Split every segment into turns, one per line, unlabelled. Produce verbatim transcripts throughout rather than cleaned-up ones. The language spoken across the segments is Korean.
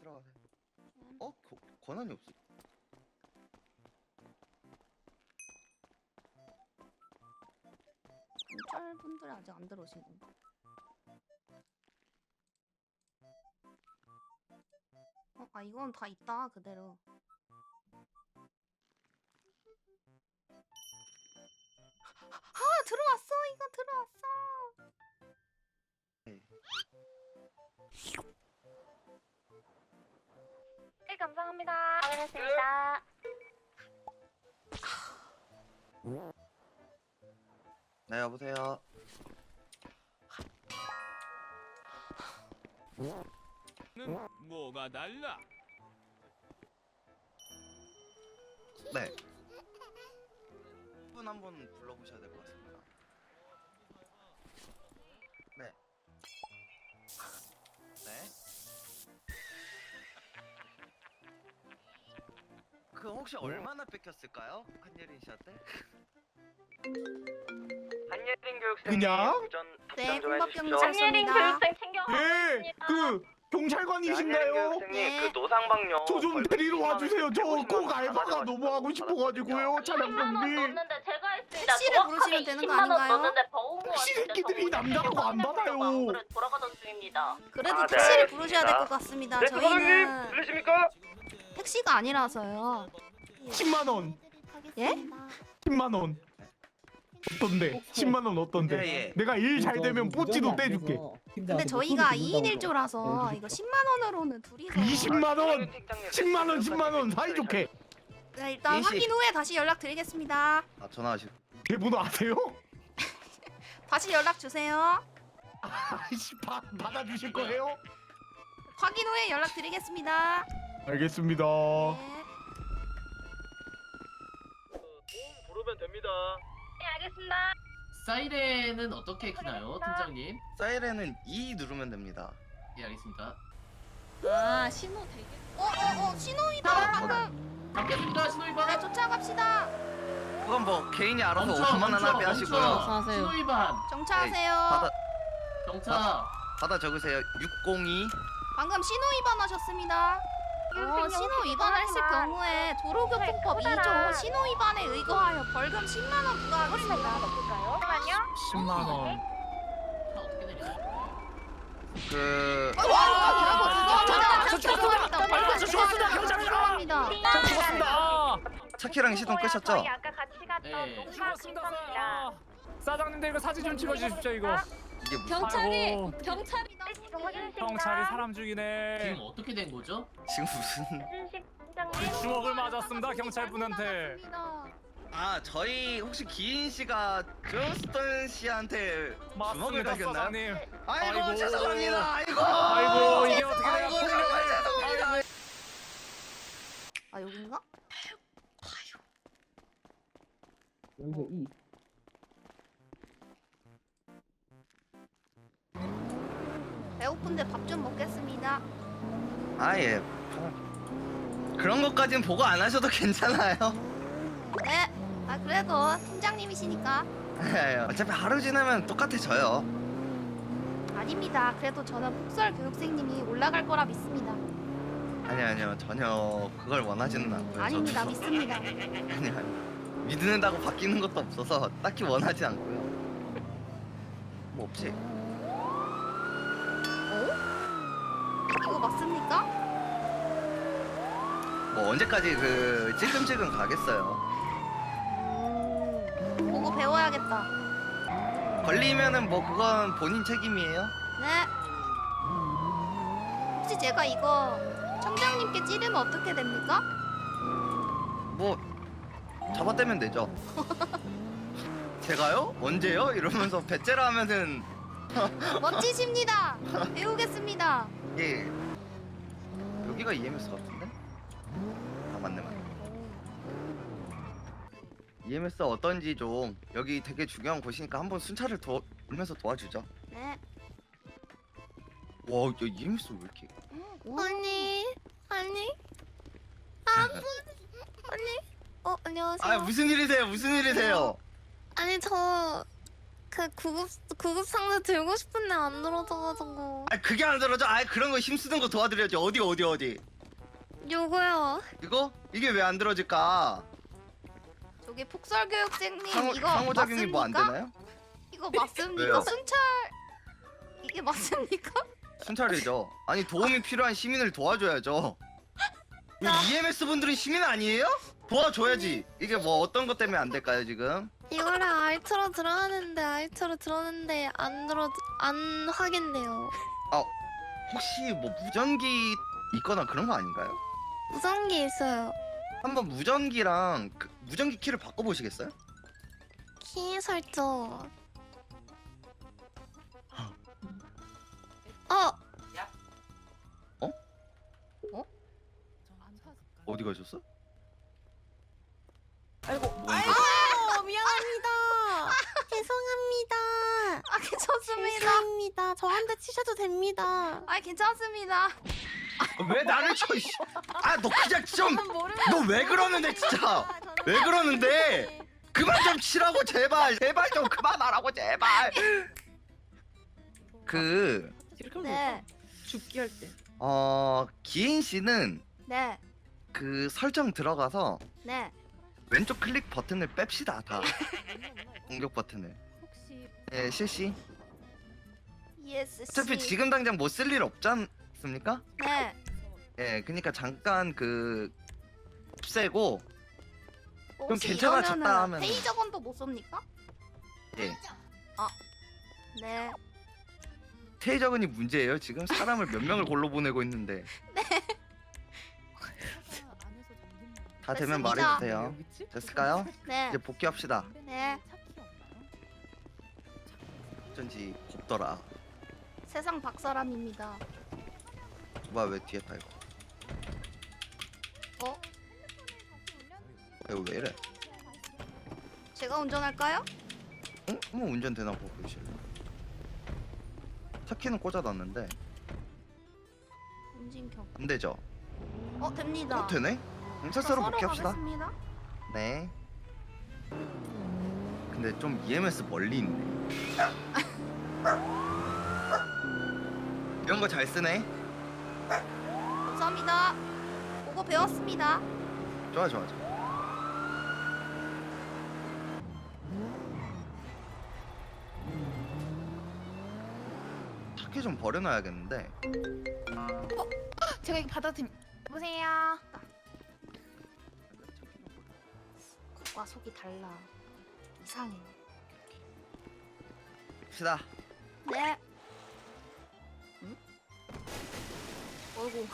들어가세요. 어? 거, 권한이 없어.
경찰분들이 아직 안 들어오신 건가? 어, 아 이건 다 있다 그대로. 아 들어왔어 이거 들어왔어.
네.
네, 감사합니다. 확인했습니다.
네, 여보세요.
는 뭐가 달라?
네. 분 한 번 불러보셔야 될 것 같습니다. 네. 네. 그 혹시 얼마나 뺏겼을까요? 한예린 씨한테?
한예린 교육생님
그냥?
우선
네,
답변 좀
군법
해주십시오.
경찰.
한예린
좋습니다.
교육생 챙겨가겠습니다.
예, 그 경찰관이신가요?
한예린 교육생님
네.
그 노상방뇨
저 좀 데리러 와주세요. 저 꼭 알바가 너무 하고 싶어가지고요. 차량
십만 원
정비.
넣었는데 제가 했습니다.
택시를
정확하게
부르시면 되는 거
이십만 원
아닌가요?
넣었는데 버웅
택시 새끼들이 남자라고 안 받아요.
돌아가던 중입니다.
그래도
아, 네,
택시를
알겠습니다.
부르셔야 될 것 같습니다.
네, 소장님
저희는
들리십니까?
택시가 아니라서요.
십만 원.
예?
십만 원. 어떤데? 십만 원 어떤데?
예, 예.
내가 일 잘 되면 뽀찌도 떼줄게.
근데 저희가 이 인 일 조라서 이거 십만 원으로는 둘이서.
이십만 원. 십만 원, 십만 원 사이좋게.
네, 일단
인식.
확인 후에 다시 연락 드리겠습니다.
아, 전화하시고.
제 번호 아세요?
다시 연락 주세요.
아이씨, 바, 받아주실 거예요?
확인 후에 연락 드리겠습니다.
알겠습니다.
네.
보험 부르면 됩니다.
네, 알겠습니다.
사이렌은 어떻게 키나요, 팀장님?
사이렌은 이 누르면 됩니다.
예, 알겠습니다.
아 신호 되게. 어어어 신호위반 방금.
잡겠습니다, 신호위반.
네 쫓아갑시다.
그건 뭐 개인이 알아서
멈춰,
오만 원
멈춰,
합의 하시고요.
멈춰. 신호위반.
정차하세요.
받아
경차.
받아 적으세요. 육공이.
방금 신호위반 하셨습니다. 어, 신호위반을 했을 경우에 도로교통법 이 조 신호위반에 의거하여 벌금 십만 원 부과하겠습니다.
잠깐만요.
십만 원.
차 어떻게 내리나요?
그
와, 와,
저 죽었습니다.
벌금
저 죽었습니다.
부과합니다.
저 죽었습니다.
차키랑 시동 끄셨죠?
저희 아까 같이 갔던
네.
농가
죽었습니다.
근처입니다.
사장님들 이거 사진 좀 찍어주십시오 이거.
이게 무슨
경찰이
아이고,
경찰이
네, 지금 확인했습니다.
경찰이 사람 죽이네.
지금 어떻게 된 거죠?
지금 무슨
이순식 팀장님.
주먹을 맞았습니다 경찰분한테.
아 저희 혹시 기인 씨가 존스턴 씨한테 주먹을
맞습니다
당겼나요?
사장님.
아이고,
아이고.
죄송합니다. 아이고.
아이고 이게 어떻게
아이고
돼요?
정말 죄송합니다.
아 여긴가?
여기서 이
배고픈데 밥 좀 먹겠습니다.
아 예. 그런 것까진 보고 안 하셔도 괜찮아요.
네. 아 그래도 팀장님이시니까.
예, 어차피 하루 지나면 똑같아져요.
아닙니다. 그래도 저는 폭설 교육생님이 올라갈 거라 믿습니다.
아니 아니요 전혀 그걸 원하지는 않고요.
아닙니다.
저도.
믿습니다.
아니 아니 믿는다고 바뀌는 것도 없어서 딱히 원하지 않고요. 뭐 없지.
어? 이거 맞습니까?
뭐 언제까지 그 찔끔찔끔 가겠어요.
음, 보고 배워야겠다.
걸리면은 뭐 그건 본인 책임이에요.
네. 혹시 제가 이거 청장님께 찌르면 어떻게 됩니까?
뭐 잡아떼면 되죠. 제가요? 언제요? 이러면서 배째라 하면은
멋지십니다. 배우겠습니다.
이게 여기가 이엠에스 같은데? 아 맞네 맞네. 이엠에스 어떤지 좀 여기 되게 중요한 곳이니까 한번 순찰을 돌면서 도와주죠.
네.
와, 야 이엠에스 왜 이렇게?
언니, 언니, 아, 언니, 어 안녕하세요.
아 무슨 일이세요? 무슨 일이세요?
아니 저
그 구급 구급 상자 들고 싶은데 안 들어져가지고.
아 그게 안 들어져. 아 그런 거 힘쓰는 거 도와드려야지. 어디 어디 어디.
요거요.
이거 이게 왜 안 들어질까?
저기 폭설교육생님
상호
이거
상호작용이 뭐 안
맞습니까?
되나요?
이거 맞습니까?
왜요?
순찰 이게 맞습니까?
순찰이죠. 아니 도움이 필요한 시민을 도와줘야죠. 이 이엠에스 분들은 시민 아니에요? 도와줘야지. 이게 뭐 어떤 것 때문에 안 될까요 지금?
이거를 알트로 들어가는데 알트로 들었는데 안 들어 안 확인돼요.
혹시 뭐 무전기 있거나 그런 거 아닌가요?
무전기 있어요.
한번 무전기랑 그 무전기 키를 바꿔보시겠어요?
키 설정. 어.
어디 가셨어?
아이고 미안합니다. 죄송합니다.
아 괜찮습니다.
죄송합니다. 저한테 치셔도 됩니다.
아 괜찮습니다.
왜 나를 쳐? 이씨. 아 너 그냥 좀 너 왜 그러는데 진짜 왜 그러는데 그만 좀 치라고 제발 제발 좀 그만하라고 제발. 그
네,
죽기 할 때.
어 기인 씨는
네,
그 설정 들어가서
네.
왼쪽 클릭 버튼을 뺍시다 다. 공격 버튼을.
혹시
예 실시.
이에스씨.
어차피 지금 당장 못 쓸 일 없지 않습니까?
네.
예 그러니까 잠깐 그 없애고 그럼
혹시
괜찮아졌다
이러면은
하면
페이저건도 못 씁니까?
예
네.
테이저건이 문제예요. 지금 사람을 몇 명을 골로 보내고 있는데. 다 되면
됐습니다.
말해주세요. 됐을까요?
네.
이제 복귀합시다.
네.
어쩐지 곱더라.
세상 박사람입니다.
뭐야 왜 뒤에 타 이거?
어?
이거 왜 이래?
제가 운전할까요?
응? 한번 운전 되나 보고 보실래? 차 키는 꽂아놨는데
운진경.
안 되죠?
어 됩니다.
어 되네? 경찰서로 복귀합시다.
가겠습니다.
네. 근데 좀 이엠에스 멀리 있네. 이런 거 잘 쓰네.
감사합니다. 그거 배웠습니다.
좋아 좋아 좋아. 차키 좀 버려놔야겠는데.
제가 이거 받아드림. 여보세요. 겉과 속이 달라. 이상해.
갑시다.
네. 응? 어이구.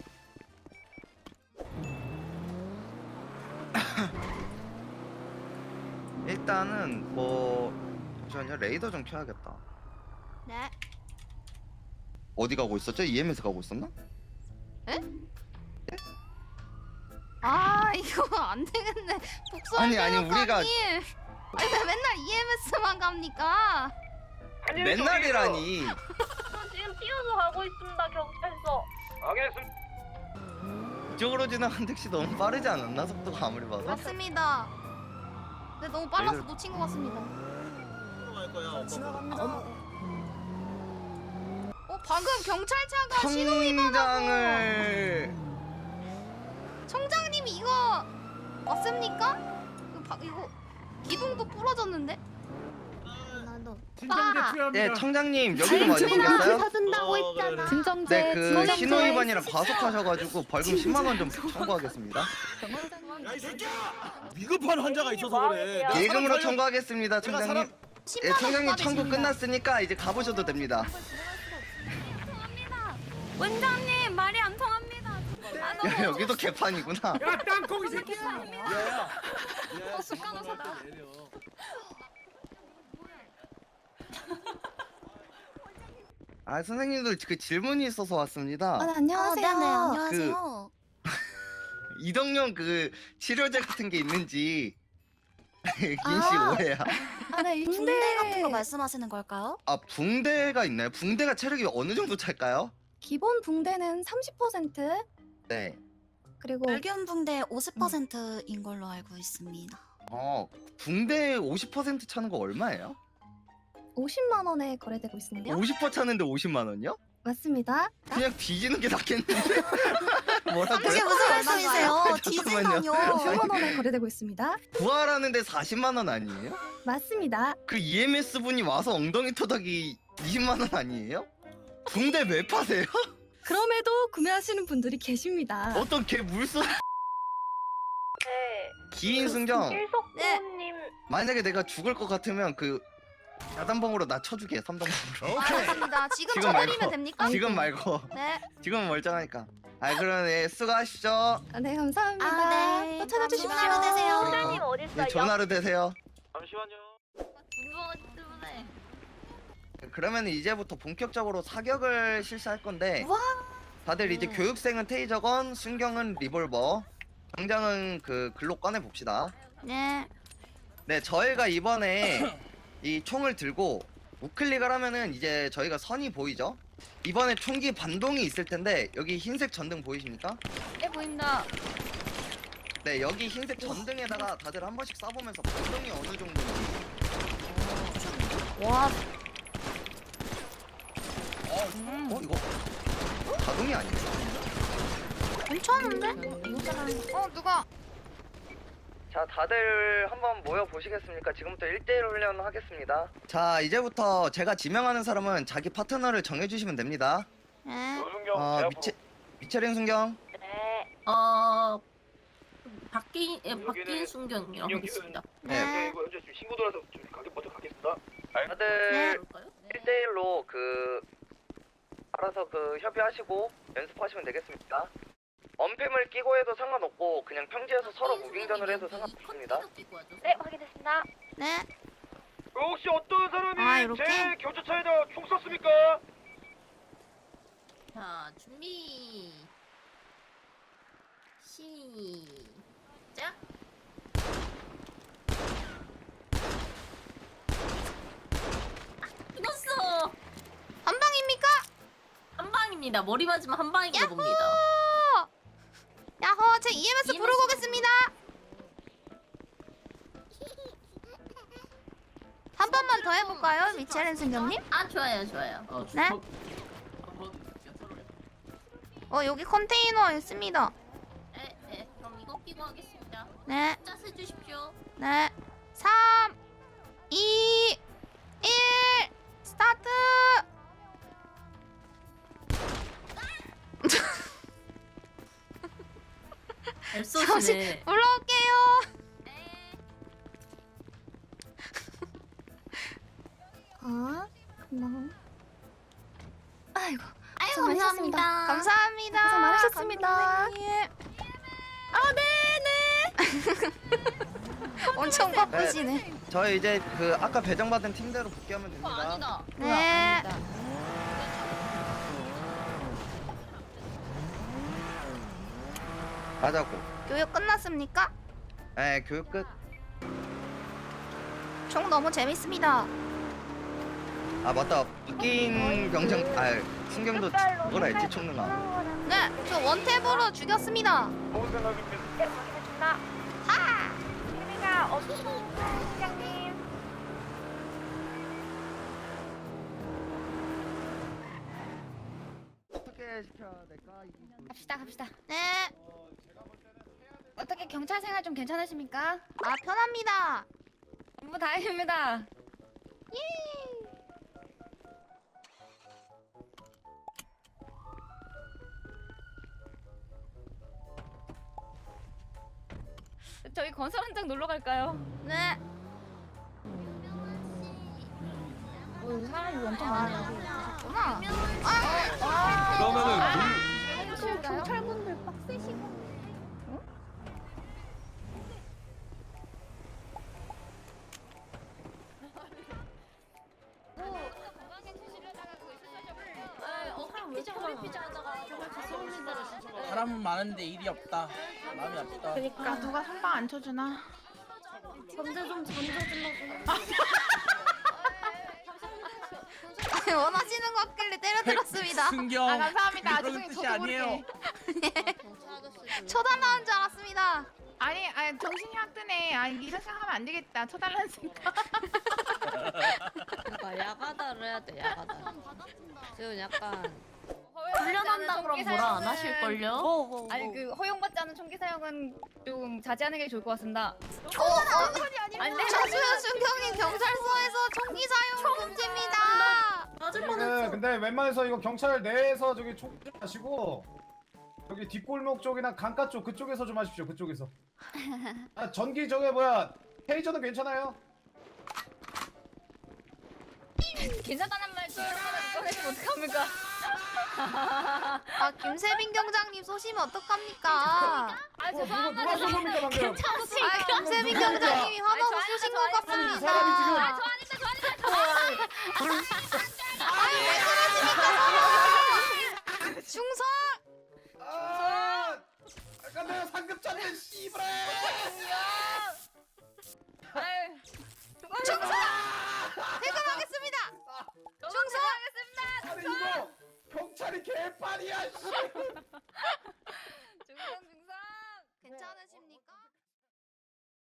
일단은 뭐 잠시만요. 레이더 좀 켜야겠다.
네.
어디 가고 있었죠? 이엠에스 가고 있었나?
아 이거 안 되겠네. 복수.
아니, 아니, 우리가-
아니 왜 맨날 이엠에스만 갑니까?
맨날이라니.
저 지금 뛰어서 가고 있습니다, 경찰서.
알겠습니다.
이쪽으로 지나간 택시 너무 빠르지 않았나? 속도가 아무리 봐도.
맞습니다. 근데 너무 빨라서
얘들-
놓친 것 같습니다. 어 방금 경찰차가 신호위반하고
청장을
청장님이 이거 맞습니까? 이거, 바, 이거 기둥도 부러졌는데?
나도.
진정제 필요합니다.
네 청장님 여기 좀 와주시겠어요?
사준다고 했잖아.
진정제.
네 그 신호 위반이랑 과속하셔가지고 벌금 십만 원 좀 청구하겠습니다.
위급한 환자가 있어서 그래.
네.
예금으로 청구하겠습니다 청장님. 예 청장님 청구
부과되십니다.
끝났으니까 이제 가보셔도 됩니다.
원장님 말이 안 통합니다.
야 여기도 개판이구나.
야 땅콩이 새끼야.
야야.
어, 습관어서다.
아 선생님들 그 질문이 있어서 왔습니다.
안녕하세요.
어, 네네,
안녕하세요.
이동용 그 치료제 같은 게 있는지 긴씨
아.
오해야.
아, 네, 붕대 같은 거 말씀하시는 걸까요?
아 붕대가 있나요? 붕대가 체력이 어느 정도 찰까요?
기본 붕대는 삼십 퍼센트
네.
그리고
불균 붕대 오십 퍼센트인 걸로 알고 있습니다.
어 붕대 오십 퍼센트 차는 거 얼마예요?
오십만 원에 거래되고 있는데요.
오십 퍼 차는데 오십만 원이요?
맞습니다.
그냥 뒤지는 게 낫겠는데. 뭐라고요?
그게 무슨 말씀이세요?
잠깐만요.
뒤지다뇨.
오십만 원에 거래되고 있습니다.
부활하는데 사십만 원 아니에요?
맞습니다.
그 이엠에스 분이 와서 엉덩이 토닥이 이십만 원 아니에요? 붕대 왜 파세요?
그럼에도 구매하시는 분들이 계십니다.
어떤 개 물소
네.
기인 순경
일석부님
만약에 내가 죽을 것 같으면 그 야단봉으로 나 쳐주게 삼단봉으로
알겠습니다. 지금
지금
쳐드리면
말고.
됩니까?
지금 말고
네.
지금은 멀쩡하니까 아 그럼 예 수고하십시오.
아, 네, 감사합니다.
아, 네.
또 찾아주십시오.
좋은 하루 되세요.
선생님 어디 있어요?
예, 좋은 하루 되세요.
잠시만요.
궁금하기 때문에.
그러면 이제부터 본격적으로 사격을 실시할 건데
와.
다들 이제 교육생은 테이저건, 순경은 리볼버, 당장은 그 글록 꺼내 봅시다.
네.
네, 저희가 이번에 이 총을 들고 우클릭을 하면은 이제 저희가 선이 보이죠? 이번에 총기 반동이 있을 텐데 여기 흰색 전등 보이십니까?
네 보인다.
네, 여기 흰색 전등에다가 다들 한 번씩 쏴보면서 반동이 어느 정도인지.
와.
어, 이거 자동이 아니에요?
괜찮은데? 어 누가?
자, 다들 한번 모여 보시겠습니까? 지금부터 일 대일 훈련 하겠습니다. 자, 이제부터 제가 지명하는 사람은 자기 파트너를 정해주시면 됩니다.
네.
노순경
어,
제압.
미체, 미체린 순경.
네.
어 바뀐 예,
여기는
바뀐 순경이라고
순경
하겠습니다.
네.
네.
이거 현재 지금 신고 들어와서 좀 가게 먼저 가겠습니다.
다들
그럴까요?
일 대일로 그 알아서 그 협의하시고 연습하시면 되겠습니다. 언팸을 끼고 해도 상관없고 그냥 평지에서 서로 무빙전을 해도 상관없습니다.
네, 확인했습니다.
네.
혹시 어떤 사람이
아, 이렇게?
제 경찰차에다 총 쐈습니까?
자 준비 시작. 아, 죽었어.
한 방입니까?
한 방입니다. 머리 맞으면 한 방인가 봅니다.
야호, 제 이엠에스
이엠에스
부르고 오겠습니다. 한 번만 더 해볼까요, 미체린 승경님?
아 좋아요 좋아요.
어,
네?
주먹 한번 연설을 해.
어 여기 컨테이너 있습니다.
네, 네. 그럼 이거 끼고 하겠습니다.
네,
숫자 세 주십시오.
네. 삼, 이, 일, 스타트.
앱소시네.
불러올게요.
아, 고마워. 아이고,
아유
고생 많으셨습니다.
감사합니다.
감사합니다.
고생 많으셨습니다.
감독님.
아, 네네.
엄청 바쁘시네.
저희 이제 그 아까 배정받은 팀대로 복귀하면 됩니다.
네.
가자고.
교육 끝났습니까?
네, 교육 끝.
총 너무 재밌습니다.
아 맞다. 바뀐 병정. 아 순경도 그걸 알지 총능아.
네, 저 원탭으로 죽였습니다.
좋은 생각입니다.
네, 확인했습니다.
하!
재미가 없으십니까, 팀장님?
어떻게 시켜야 될까?
갑시다, 갑시다. 네. 어떻게 경찰 생활 좀 괜찮으십니까? 아, 편합니다. 너무 다행입니다. 예. 저희 건설 현장 놀러 갈까요? 네. 어, 사람이 엄청 많아요. 구나. 아,
그러면은
사실 경찰분들 빡세시고.
사람은 많은데 일이 없다. 마음이 아프다.
그러니까 누가 선방 안 쳐주나?
전제 좀 던져주려고.
원하시는 거 같길래 때려들었습니다.
순경.
아, 감사합니다.
그런
죄송해요.
뜻이
저도
아니에요.
쳐달라는 줄 알았습니다.
아니, 아니 정신이 확 드네. 아 이런 생각하면 안 되겠다. 쳐달라는 생각.
그러니까 야가다를 해야 돼 야가다. 지금 약간
훈련한다 그럼 뭐라 안 하실걸요?
뭐 뭐.
아니 그 허용받지 않은 총기 사용은 좀 자제하는 게 좋을 것 같습니다.
어, 어, 차수현 순경이 경찰서에서 총기 사용 금지입니다.
맞을
네,
뻔했어.
근데 웬만해서 이거 경찰 내에서 저기 총 하시고 여기 뒷골목 쪽이나 강가 쪽 그쪽에서 좀 하십시오. 그쪽에서. 아 전기 저게 뭐야 테이저는 괜찮아요?
괜찮다는 말 꺼내시면 어떡합니까?
아, 김세빈 경장님 쏘시면 어떡합니까?
아
어, 누가
죄송합니다.
누가 쏜 겁니까 방금?
아, 김세빈 경장님이 화나서
아니,
쏘신
저
것
아닙니다, 저
이
같습니다.
사람이 지금
아, 저 아닙니다, 저 아닙니다, 저 아닙니다.
아니, 왜 그러십니까? 충성!
아, 아까 내가 상급 짰네 씨발.
아유,
충성! 퇴근하겠습니다! 충성!
아니 이거 경찰이 개판이야 씨.
중성 중성.
괜찮으십니까?